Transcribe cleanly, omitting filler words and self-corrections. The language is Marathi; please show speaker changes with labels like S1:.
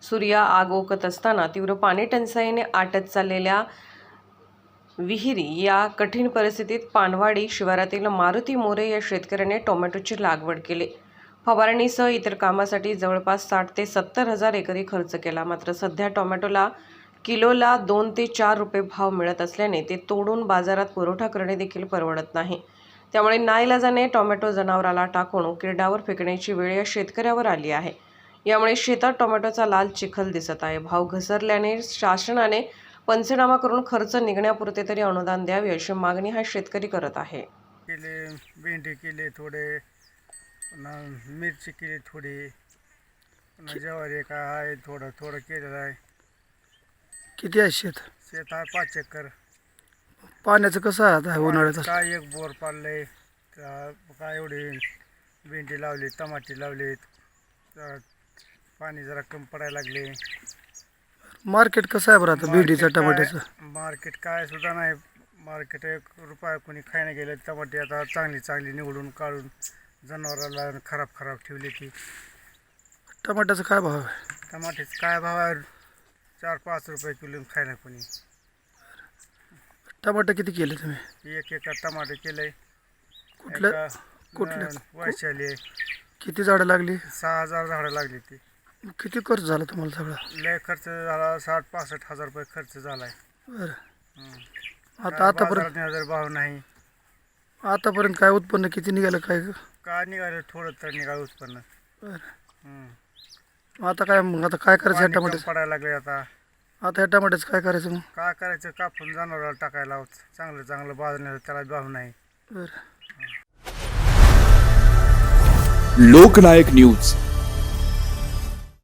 S1: सूर्या आग ओकत असताना तीव्र पाणी टंचाईने आटत चाललेल्या विहिरी या कठीण परिस्थितीत पानवाडी शिवारातील मारुती मोरे या शेतकऱ्याने टोमॅटोची लागवड केली। फवारणीसह इतर कामासाठी जवळपास 60 ते 70 हजार एकरी खर्च केला। मात्र सध्या टोमॅटोला किलोला 2 ते 4 रुपये भाव मिळत असल्याने ते तोडून बाजारात पुरवठा करणे देखील परवडत नाही। त्यामुळे नाईलाजाने टोमॅटो जनावराला टाकून उकिरड्यावर फेकण्याची वेळ या शेतकऱ्यावर आली आहे। यामुळे शेतात टोमॅटोचा लाल चिखल दिसत आहे। भाव घसरल्याने शासनाने पंचनामा करून खर्च निघण्यापुरते तरी अनुदान द्यावे अशी मागणी हा शेतकरी करत आहे।
S2: भेंडी केली थोडे, मिरची केली थोडी, ज्वारी काय आहे थोडं थोडं केलेलं आहे।
S3: किती आहे शेत?
S2: शेत आहे 5 एकर।
S3: पाण्याचं कसं आहे आता उन्हाळ्यात?
S2: काय एक बोर पाडलंय, काय एवढी भेंडी लावली, टमाटे लावलीत, पाणी जरा कमी पडायला लागले।
S3: मार्केट कसं आहे बरं आता भेंडीचं टमाट्याचं?
S2: मार्केट काय सुद्धा नाही। मार्केट 1 रुपया कोणी खायला गेले। टमाटे आता चांगली निवडून काढून जनावराला खराब ठेवली ती।
S3: टमाट्याचं काय भाव आहे?
S2: टमाट्याचं काय भाव आहे? 4-5 रुपये किलो खायला कोणी।
S3: टमाटे किती केले तुम्ही?
S2: 1 एकर टमाटे केलंय।
S3: कुठलं
S2: वैशाली।
S3: किती झाडं लागली?
S2: 6000 झाडं लागली ती।
S3: किती खर्च झाला तुम्हाला सगळा?
S2: लय खर्च झाला, 60-65 हजार रुपये खर्च झालाय।
S3: बरं आता आतापर्यंत
S2: भाव नाही।
S3: आतापर्यंत काय उत्पन्न किती निघालं काय
S2: निघालं? थोडं तर निघालं उत्पन्न।
S3: बरं आता काय करायचं ह्या टमाट्याचं?
S2: पडायला लागले आता
S3: ह्या टमाट्याचं काय करायचं मग?
S2: काय करायचं? कापून जनावराला टाकायला चांगलं बाजूने, त्याला भाव नाही।
S3: बरं
S4: लोकनायक न्यूज